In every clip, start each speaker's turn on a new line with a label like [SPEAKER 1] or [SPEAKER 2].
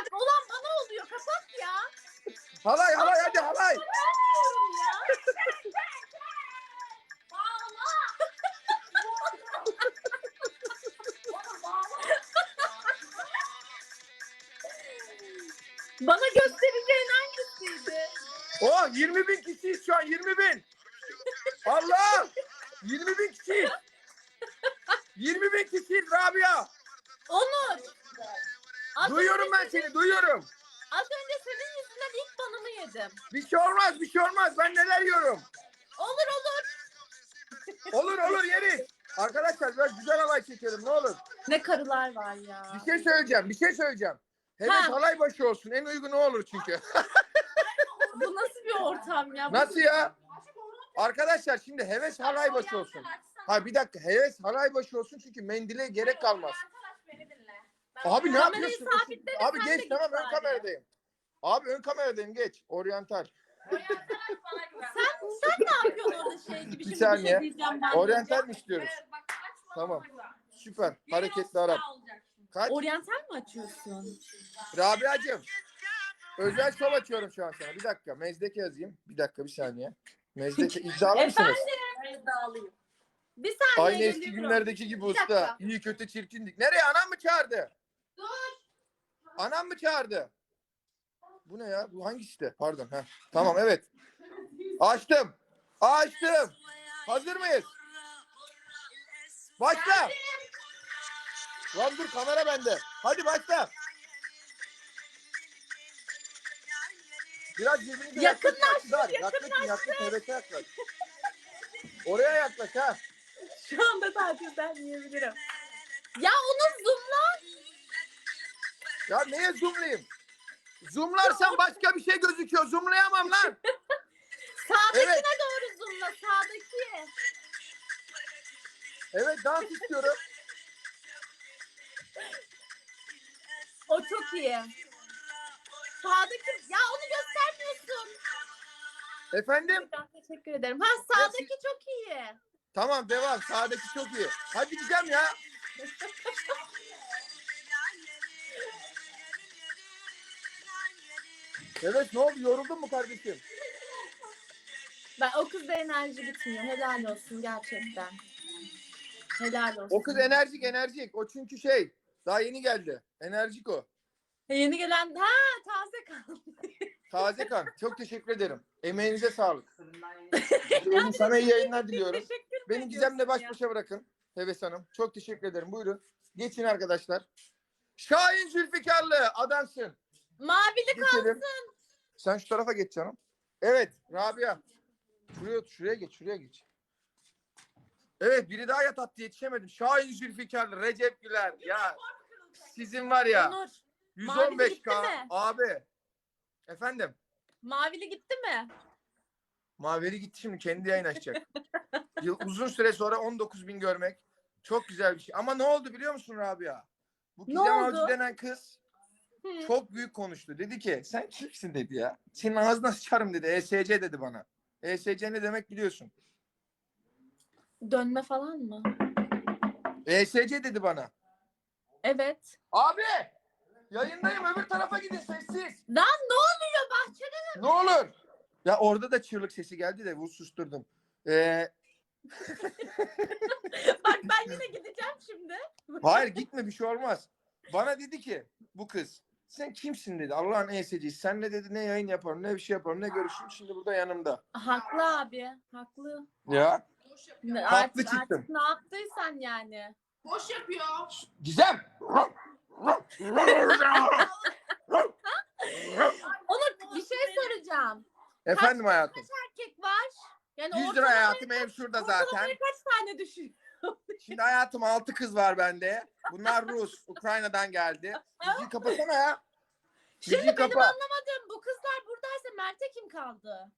[SPEAKER 1] Olan bana oluyor. Kapat ya.
[SPEAKER 2] Halay halay hadi halay.
[SPEAKER 1] Bilmiyorum ya. Bana göstereceğin hangisiydi?
[SPEAKER 2] Oh 20.000 kişiyiz şu an 20.000. Allah 20.000 kişiyiz. 20.000 kişiyiz Rabia.
[SPEAKER 1] Onur.
[SPEAKER 2] Duyuyorum ben seni duyuyorum.
[SPEAKER 1] Az önce senin yüzünden ilk banımı yedim.
[SPEAKER 2] Bir şey olmaz bir şey olmaz ben neler yiyorum.
[SPEAKER 1] Olur olur.
[SPEAKER 2] Olur olur yeriz. Arkadaşlar biraz güzel halay çekelim ne olur.
[SPEAKER 1] Ne karılar var ya.
[SPEAKER 2] Bir şey söyleyeceğim. Heves
[SPEAKER 1] Ha.
[SPEAKER 2] halay başı olsun en uygun o olur çünkü.
[SPEAKER 1] Bu nasıl bir ortam ya?
[SPEAKER 2] Nasıl ya? Arkadaşlar şimdi heves halay başı olsun. Ha bir dakika heves halay başı olsun çünkü mendile gerek kalmaz. Abi ne
[SPEAKER 1] Kamerayı
[SPEAKER 2] yapıyorsun?
[SPEAKER 1] sabitle de
[SPEAKER 2] Abi
[SPEAKER 1] sen de
[SPEAKER 2] geç
[SPEAKER 1] git
[SPEAKER 2] tamam ön
[SPEAKER 1] bari.
[SPEAKER 2] kameradayım. Abi ön kameradayım geç. Oryantal.
[SPEAKER 1] Sen ne yapıyorsun orada şey gibi?
[SPEAKER 2] Bir
[SPEAKER 1] Şimdi
[SPEAKER 2] saniye.
[SPEAKER 1] şey diyeceğim ben.
[SPEAKER 2] Oryantal mi istiyoruz? Tamam. Süper. Hareketli Arap. Kaç?
[SPEAKER 1] Oryantal mi açıyorsun?
[SPEAKER 2] Rabia'cığım. Özel şov açıyorum şu an sana. Bir dakika. Mezdeke yazayım. Bir dakika bir saniye. Mezdeke iddialı mısınız?
[SPEAKER 1] Efendim? Bir saniye
[SPEAKER 2] Aynı eski
[SPEAKER 1] geliyorum.
[SPEAKER 2] günlerdeki gibi
[SPEAKER 1] Bir
[SPEAKER 2] usta.
[SPEAKER 1] dakika.
[SPEAKER 2] İyi kötü çirkindik. Nereye? Anam mı çağırdı?
[SPEAKER 1] Dur.
[SPEAKER 2] Anam mı çağırdı? Bu ne ya? Bu hangisi de? Pardon. Heh. Tamam evet. Açtım. Açtım. Hazır mıyız? Başla. Lan dur kamera bende. Hadi başla. Biraz birbirinize
[SPEAKER 1] Yakınlaş,
[SPEAKER 2] yaklaşın. Hevese yaklaş. Oraya yaklaş ha.
[SPEAKER 1] Şu anda tatilden yiyebilirim. Ya onu zoomla.
[SPEAKER 2] Ya neye zoomlayayım? Zoomlarsan başka bir şey gözüküyor. Zoomlayamam lan.
[SPEAKER 1] Sağdakine
[SPEAKER 2] Evet.
[SPEAKER 1] doğru zoomla. Sağdaki.
[SPEAKER 2] Evet dans istiyorum.
[SPEAKER 1] O çok iyi. Sağdaki. Ya onu göstermiyorsun.
[SPEAKER 2] Efendim?
[SPEAKER 1] Ben teşekkür ederim. Ha sağdaki çok iyi.
[SPEAKER 2] Tamam devam. Sağdaki çok iyi. Hadi gideceğim ya. Evet ne oldu? Yoruldun mu kardeşim?
[SPEAKER 1] Ben o kızda enerji gitmiyor. Helal olsun gerçekten. Helal olsun.
[SPEAKER 2] O kız enerjik. O çünkü şey daha yeni geldi. Enerjik o.
[SPEAKER 1] Yeni gelen taze kaldı.
[SPEAKER 2] Taze kan. Çok teşekkür ederim. Emeğinize sağlık. Sana iyi yayınlar diliyorum.
[SPEAKER 1] Teşekkür
[SPEAKER 2] Beni Gizem'le baş başa bırakın. Heves Hanım. Çok teşekkür ederim. Buyurun. Geçin arkadaşlar. Şahin Zülfikarlı adamsın.
[SPEAKER 1] Mavili
[SPEAKER 2] Geçelim.
[SPEAKER 1] kalsın.
[SPEAKER 2] Sen şu tarafa geç canım. Evet Rabia. Şuraya geç. Evet biri daha yatattı yetişemedim. Şahin Zülfikarlı, Recep Güler. Ya sizin var ya.
[SPEAKER 1] Onur.
[SPEAKER 2] 115K abi. Efendim.
[SPEAKER 1] Mavili gitti mi?
[SPEAKER 2] Maveri gitti şimdi kendi yayın açacak. Uzun süre sonra 19.000 görmek çok güzel bir şey. Ama ne oldu biliyor musun Rabia? Bu
[SPEAKER 1] Ne
[SPEAKER 2] Gizem
[SPEAKER 1] oldu?
[SPEAKER 2] Avcı denen kız çok büyük konuştu. Dedi ki sen kimsin dedi ya. Senin ağzına sıçarım dedi. ESC dedi bana. ESC ne demek biliyorsun.
[SPEAKER 1] Dönme falan mı?
[SPEAKER 2] ESC dedi bana.
[SPEAKER 1] Evet.
[SPEAKER 2] Abi yayındayım öbür tarafa gidin sessiz.
[SPEAKER 1] Lan ne oluyor bahçede?
[SPEAKER 2] Ne olur. Ya orada da çığlık sesi geldi de susturdum.
[SPEAKER 1] Bak ben yine gideceğim şimdi.
[SPEAKER 2] Hayır gitme bir şey olmaz. Bana dedi ki bu kız sen kimsin dedi Allah'ın ESC'si. Senle dedi ne yayın yaparım ne bir şey yaparım ne görüşürüm şimdi burada yanımda.
[SPEAKER 1] Haklı abi. Haklı.
[SPEAKER 2] Ya haklı çıktım.
[SPEAKER 1] Artık ne yaptıysan yani.
[SPEAKER 3] Boş yapıyor.
[SPEAKER 2] Gizem.
[SPEAKER 1] Onur bir şey soracağım.
[SPEAKER 2] Efendim hayatım.
[SPEAKER 1] Erkek var. Yani
[SPEAKER 2] 100 lira hayatım ev şurada zaten.
[SPEAKER 1] ortalamaya kaç tane düşün?
[SPEAKER 2] Şimdi hayatım 6 kız var bende. Bunlar Rus. Ukrayna'dan geldi. Müziği kapasana ya.
[SPEAKER 1] Şimdi
[SPEAKER 2] Müziği
[SPEAKER 1] benim
[SPEAKER 2] kapa.
[SPEAKER 1] anlamadığım bu kızlar buradaysa Mert'e kim kaldı?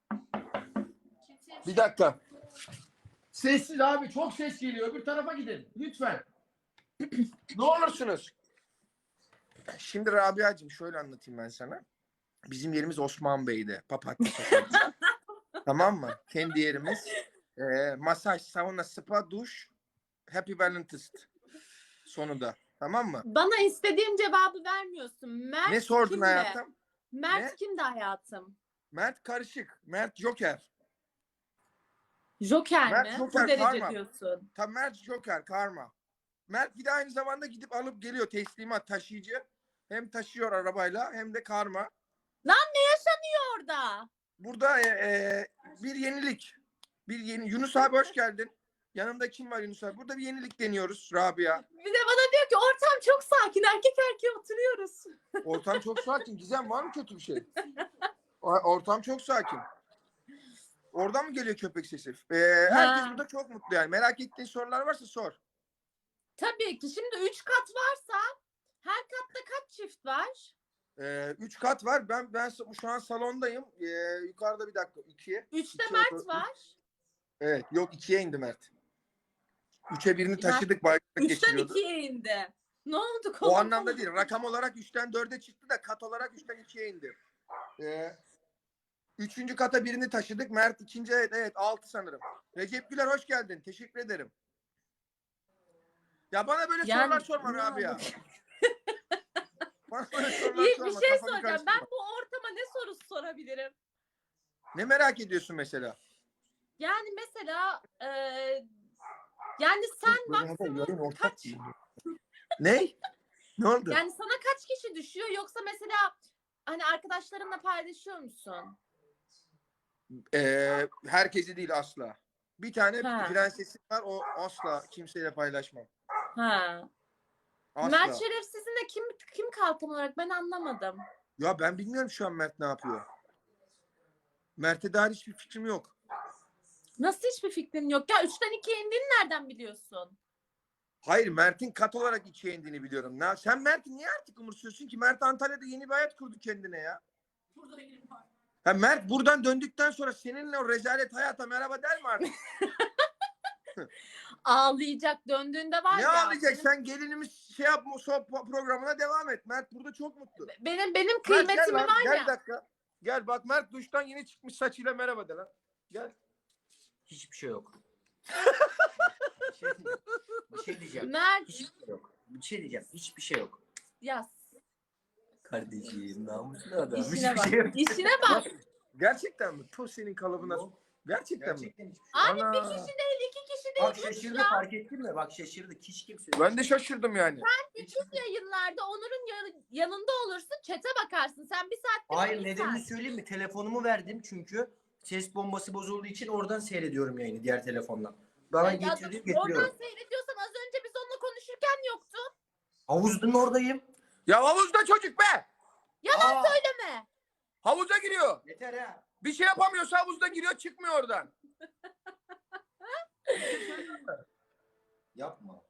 [SPEAKER 2] Bir dakika. Sessiz abi çok ses geliyor. Öbür tarafa gidin. Lütfen. Ne olursunuz. Şimdi Rabia'cığım şöyle anlatayım ben sana. Bizim yerimiz Osman Bey'de. Papatya Sokak'ta. Tamam mı? Kendi yerimiz. Masaj, sauna, spa, duş. Happy Valentist. Sonunda. Tamam mı?
[SPEAKER 1] Bana istediğim cevabı vermiyorsun. Mert
[SPEAKER 2] Ne sordun
[SPEAKER 1] kimdi?
[SPEAKER 2] hayatım?
[SPEAKER 1] Mert
[SPEAKER 2] Ne?
[SPEAKER 1] kimdi hayatım?
[SPEAKER 2] Mert karışık. Mert Joker.
[SPEAKER 1] Joker
[SPEAKER 2] Mert
[SPEAKER 1] mi?
[SPEAKER 2] Joker,
[SPEAKER 1] Bu derece
[SPEAKER 2] karma.
[SPEAKER 1] diyorsun.
[SPEAKER 2] Tam Mert Joker karma. Mert bir de aynı zamanda gidip alıp geliyor teslimat taşıyıcı. Hem taşıyor arabayla hem de karma.
[SPEAKER 1] Lan ne yaşanıyor orada?
[SPEAKER 2] Burada bir yenilik. Yunus abi hoş geldin. Yanımda kim var Yunus abi? Burada bir yenilik deniyoruz Rabia.
[SPEAKER 1] Bir de bana diyor ki ortam çok sakin. Erkek erkeğe oturuyoruz.
[SPEAKER 2] Ortam çok sakin. Gizem var mı kötü bir şey? Ortam çok sakin. Oradan mı geliyor köpek sesi? Herkes
[SPEAKER 1] Ha.
[SPEAKER 2] burada çok mutlu yani. Merak ettiğin sorular varsa sor.
[SPEAKER 1] Tabii ki. Şimdi 3 kat varsa her katta kaç çift var?
[SPEAKER 2] 3 kat var. Ben şu an salondayım. Yukarıda bir dakika. 2'ye.
[SPEAKER 1] 3'te
[SPEAKER 2] İki
[SPEAKER 1] Mert
[SPEAKER 2] oda-
[SPEAKER 1] var.
[SPEAKER 2] Evet. Yok 2'ye indi Mert. 3'e birini taşıdık. Bayrak
[SPEAKER 1] 3'ten
[SPEAKER 2] geçiriyordu.
[SPEAKER 1] 2'ye indi. Ne oldu?
[SPEAKER 2] O anlamda değil. Rakam olarak 3'ten 4'e çıktı da kat olarak 3'ten 2'ye indi. Üçüncü kata birini taşıdık. Mert ikinci, evet 6 sanırım. Recep Güler hoş geldin. Teşekkür ederim. Ya bana böyle
[SPEAKER 1] Yani-
[SPEAKER 2] sorular sorma abi ya. Bana böyle sorular
[SPEAKER 1] İyi
[SPEAKER 2] sorma.
[SPEAKER 1] bir şey
[SPEAKER 2] kafamı
[SPEAKER 1] soracağım.
[SPEAKER 2] karıştırma.
[SPEAKER 1] Ben bu ortama ne sorusu sorabilirim?
[SPEAKER 2] Ne merak ediyorsun mesela?
[SPEAKER 1] Yani mesela yani sen maksimum kaç
[SPEAKER 2] Ne? Ne oldu?
[SPEAKER 1] yani sana kaç kişi düşüyor yoksa mesela hani arkadaşlarınla paylaşıyor musun?
[SPEAKER 2] Herkesi değil asla. Bir tane
[SPEAKER 1] Ha.
[SPEAKER 2] prensesim var. O asla kimseyle paylaşmam.
[SPEAKER 1] Ha.
[SPEAKER 2] Asla.
[SPEAKER 1] Mert Şerefsiz'in de kim kalkan olarak ben anlamadım.
[SPEAKER 2] Ya ben bilmiyorum şu an Mert ne yapıyor. Mert'e dair hiçbir fikrim yok.
[SPEAKER 1] Nasıl hiçbir fikrin yok? Ya 3'ten 2'ye indiğini nereden biliyorsun?
[SPEAKER 2] Hayır, Mert'in kat olarak ikiye indiğini biliyorum. Sen Mert'i niye artık umursuyorsun ki? Mert Antalya'da yeni bir hayat kurdu kendine ya. Ha, Mert buradan döndükten sonra seninle o rezalet hayata merhaba der mi artık?
[SPEAKER 1] Ağlayacak döndüğünde var
[SPEAKER 2] Ne
[SPEAKER 1] ya.
[SPEAKER 2] ağlayacak? Sen gelinimiz şey yapma, programına devam et. Mert burada çok mutlu.
[SPEAKER 1] Benim
[SPEAKER 2] Mert,
[SPEAKER 1] kıymetimi
[SPEAKER 2] gel lan,
[SPEAKER 1] var
[SPEAKER 2] gel
[SPEAKER 1] ya.
[SPEAKER 2] bir dakika. Gel bak, Mert duştan yeni çıkmış saçıyla merhaba de lan. Gel.
[SPEAKER 3] Hiçbir şey yok. Bir şey diyeceğim.
[SPEAKER 1] Mert
[SPEAKER 3] Hiçbir şey yok. Bir şey diyeceğim. Hiçbir şey yok.
[SPEAKER 1] yaz.
[SPEAKER 3] Kardeşim namuslu adam.
[SPEAKER 1] İşine
[SPEAKER 3] Hiçbir
[SPEAKER 1] bak.
[SPEAKER 3] şey yok.
[SPEAKER 1] İşine bak.
[SPEAKER 2] Gerçekten mi? Tu senin kalıbına.
[SPEAKER 3] Yok.
[SPEAKER 2] Gerçekten mi?
[SPEAKER 3] Gerçekten hiçbir şey yok.
[SPEAKER 1] Abi
[SPEAKER 2] Ana.
[SPEAKER 1] bir kişi değil, 2 kişi değil.
[SPEAKER 3] Bak şaşırdı, fark ettin mi? Bak şaşırdı. Hiç kimse yok.
[SPEAKER 2] Ben de şaşırdım yani.
[SPEAKER 1] Bütün yayınlarda Onur'un yanında olursun, çete bakarsın. Sen bir saatte
[SPEAKER 3] Hayır, nedenini söyleyeyim mi? Telefonumu verdim çünkü ses bombası bozulduğu için oradan seyrediyorum yayını diğer telefondan. Bana getirdim
[SPEAKER 1] Oradan
[SPEAKER 3] getiriyorum.
[SPEAKER 1] seyrediyorsan az önce biz onunla konuşurken yoktu.
[SPEAKER 3] Havuzun oradayım.
[SPEAKER 2] Ya havuzda çocuk be!
[SPEAKER 1] Yalan söyleme.
[SPEAKER 2] Havuza giriyor.
[SPEAKER 3] Yeter ha.
[SPEAKER 2] Bir şey yapamıyorsa havuzda giriyor, çıkmıyor oradan.
[SPEAKER 3] Yapma.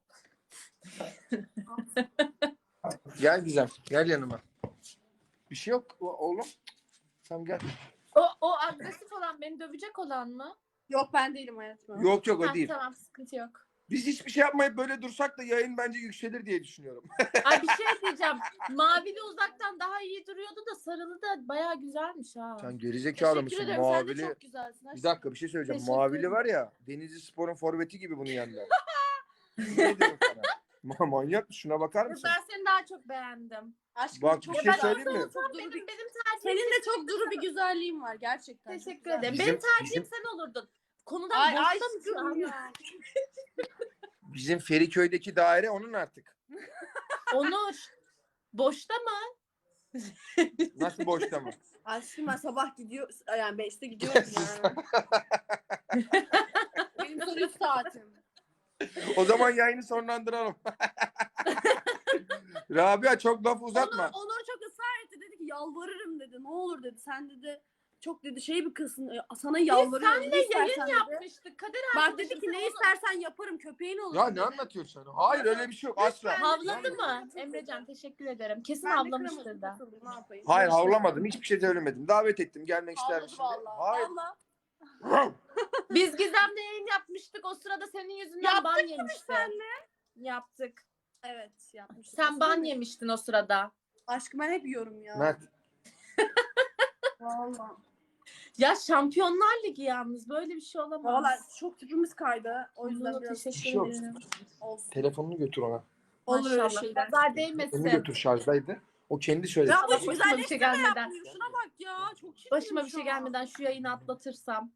[SPEAKER 2] Gel Gizem, gel yanıma. Bir şey yok oğlum. Tamam gel.
[SPEAKER 1] O agresif olan, beni dövecek olan mı?
[SPEAKER 4] Yok ben değilim hayatım.
[SPEAKER 2] Yok yok
[SPEAKER 1] Ha,
[SPEAKER 2] o değil.
[SPEAKER 1] tamam, sıkıntı yok.
[SPEAKER 2] Biz hiçbir şey yapmayıp böyle dursak da yayın bence yükselir diye düşünüyorum.
[SPEAKER 1] Ay bir şey diyeceğim. Mavili uzaktan daha iyi duruyordu da sarılı da bayağı güzelmiş ha.
[SPEAKER 2] Sen gerizekalı
[SPEAKER 1] Teşekkür
[SPEAKER 2] mısın?
[SPEAKER 1] ederim. Sen de
[SPEAKER 2] Mavili.
[SPEAKER 1] çok güzelsin.
[SPEAKER 2] Bir dakika bir şey söyleyeceğim.
[SPEAKER 1] Teşekkür
[SPEAKER 2] Mavili
[SPEAKER 1] ederim.
[SPEAKER 2] var ya, Denizli Spor'un forveti gibi bunun yanında. Ne diyorum sana? Manyak mısın? Şuna bakar mısın?
[SPEAKER 1] Ben seni daha çok beğendim.
[SPEAKER 4] Aşkım
[SPEAKER 2] Bak,
[SPEAKER 4] çok
[SPEAKER 2] bir şey
[SPEAKER 4] güzel.
[SPEAKER 2] söyleyeyim mi?
[SPEAKER 4] Çok duru
[SPEAKER 1] Benim
[SPEAKER 4] bir...
[SPEAKER 1] tercihim.
[SPEAKER 4] Senin de çok duru bir güzelliğin var gerçekten. çok
[SPEAKER 1] Teşekkür
[SPEAKER 4] güzel.
[SPEAKER 1] ederim.
[SPEAKER 2] Bizim-
[SPEAKER 1] Benim tercihim
[SPEAKER 2] bizim-
[SPEAKER 1] sen olurdun. Konudan
[SPEAKER 4] Ay
[SPEAKER 1] boşta mısın?
[SPEAKER 4] aşkım
[SPEAKER 1] Anne?
[SPEAKER 4] ya.
[SPEAKER 2] Bizim Feriköy'deki daire onun artık.
[SPEAKER 1] Onur. Boşta mı?
[SPEAKER 2] Nasıl boşta mı?
[SPEAKER 4] Aşkım ben sabah gidiyor yani 5'te gidiyorum yani. Benim sonuç saatim.
[SPEAKER 2] O zaman yayını sonlandıralım. Rabia çok laf uzatma.
[SPEAKER 4] Onur çok ısrar etti, dedi ki yalvarırım dedi. Ne olur dedi. Sen dedi çok dedi şey bir kızsın. Sana yalvarıyorum.
[SPEAKER 1] Biz
[SPEAKER 4] ne
[SPEAKER 1] seninle yayın
[SPEAKER 4] istersen dedi.
[SPEAKER 1] yapmıştık. Kader
[SPEAKER 4] Bak
[SPEAKER 1] arkadaşım,
[SPEAKER 4] dedi ki
[SPEAKER 1] sen
[SPEAKER 4] ne
[SPEAKER 1] onu-
[SPEAKER 4] istersen yaparım, köpeğin olur
[SPEAKER 2] Ya
[SPEAKER 4] dedi.
[SPEAKER 2] ne anlatıyorsun sen? Hayır öyle bir şey yok asla.
[SPEAKER 1] Havladı mı? Emrecan teşekkür ederim. Kesin
[SPEAKER 4] Ben de
[SPEAKER 1] havlamıştır
[SPEAKER 4] kıramadım,
[SPEAKER 1] da.
[SPEAKER 4] nasıldı, ne yapayım?
[SPEAKER 2] Hayır havlamadım. Hiçbir şey söylemedim. Davet ettim. Gelmek ister
[SPEAKER 4] Havladı
[SPEAKER 2] misin?
[SPEAKER 4] vallahi.
[SPEAKER 2] Hayır.
[SPEAKER 4] Vallahi.
[SPEAKER 1] Biz Gizem'le yayın yapmıştık. O sırada senin yüzünden
[SPEAKER 4] Yaptık
[SPEAKER 1] ban yemiştin. Yaptık.
[SPEAKER 4] Evet yapmıştım.
[SPEAKER 1] Sen ban yemiştin o sırada.
[SPEAKER 4] Aşkım ben hep yiyorum ya.
[SPEAKER 2] Mert.
[SPEAKER 4] Vallahi.
[SPEAKER 1] Ya Şampiyonlar Ligi yalnız böyle bir şey olamaz.
[SPEAKER 4] Vallahi çok tipimiz kaydı. O yüzden
[SPEAKER 1] Onur'a
[SPEAKER 4] biraz
[SPEAKER 1] teşekkür
[SPEAKER 2] şey yok.
[SPEAKER 1] ederim.
[SPEAKER 4] olsun.
[SPEAKER 2] Telefonunu götür ona.
[SPEAKER 4] Olur öyle
[SPEAKER 1] Maşallah.
[SPEAKER 4] şeyler.
[SPEAKER 1] Nazar
[SPEAKER 2] Onu
[SPEAKER 1] değmesin.
[SPEAKER 2] götür şarjdaydı. O kendi söyledi.
[SPEAKER 4] Ya bu
[SPEAKER 1] Başıma bir şey
[SPEAKER 4] güzelleştirme
[SPEAKER 1] gelmeden.
[SPEAKER 4] yapmıyor. Şuna bak ya. Çok çirkin
[SPEAKER 1] Başıma bir
[SPEAKER 4] şu
[SPEAKER 1] şey
[SPEAKER 4] an.
[SPEAKER 1] gelmeden şu yayını atlatırsam.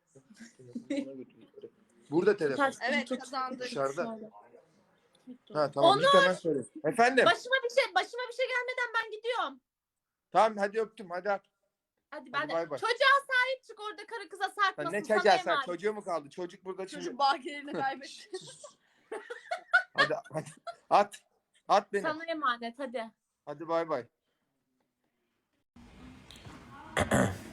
[SPEAKER 2] Burada telefon.
[SPEAKER 1] Ters
[SPEAKER 4] Evet,
[SPEAKER 1] tut.
[SPEAKER 4] kazandık.
[SPEAKER 2] Dışarıda.
[SPEAKER 1] Şöyle.
[SPEAKER 2] Ha tamam git hemen söyle. Efendim.
[SPEAKER 1] Başıma bir şey gelmeden ben gidiyorum.
[SPEAKER 2] Tamam hadi öptüm hadi at.
[SPEAKER 1] Hadi ben
[SPEAKER 2] Hadi
[SPEAKER 1] de.
[SPEAKER 2] bay bay.
[SPEAKER 1] Çocuğa sahip çık, orada karı kıza sarkmasın.
[SPEAKER 2] Ne
[SPEAKER 1] Sana
[SPEAKER 2] çocuğa sen?
[SPEAKER 1] emanet.
[SPEAKER 2] Çocuğu mu kaldı? Çocuk burada şimdi.
[SPEAKER 4] Çocuk bakiyelerini kaybetti.
[SPEAKER 2] Hadi at. At beni.
[SPEAKER 1] Sana emanet hadi.
[SPEAKER 2] Hadi bay bay.